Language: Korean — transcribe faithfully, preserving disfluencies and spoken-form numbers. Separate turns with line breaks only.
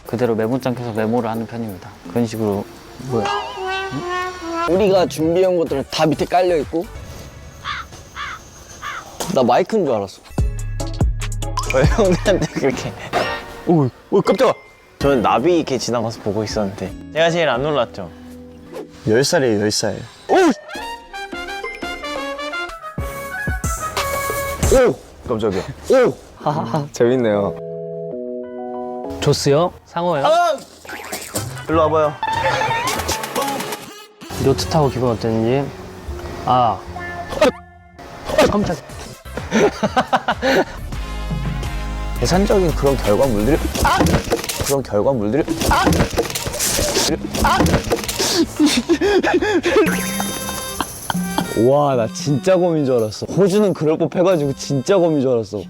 그대로 메모장 켜서 메모를 하는 편입니다. 그런 식으로. 뭐야?
우리가 준비한 것들은 다 밑에 깔려 있고. 나 마이크인 줄 알았어.
왜 형들한테 그렇게? 오, 오 깜짝아. 저는 나비 이렇게 지나가서 보고 있었는데 제가 제일 안 놀랐죠. 열 살이에요, 열 살. 오! 오! 깜짝이야. 오!
하하하 재밌네요.
조스요? 상호요?
아! 일로 와봐요.
요트 타고 기분 어땠는지? 아. 깜짝.
계산적인 그런 결과물들이 아! 그런 결과물들이 아! 아!
와, 나 진짜 검인 줄 알았어. 호주는 그럴 법해가지고 진짜 검인 줄 알았어.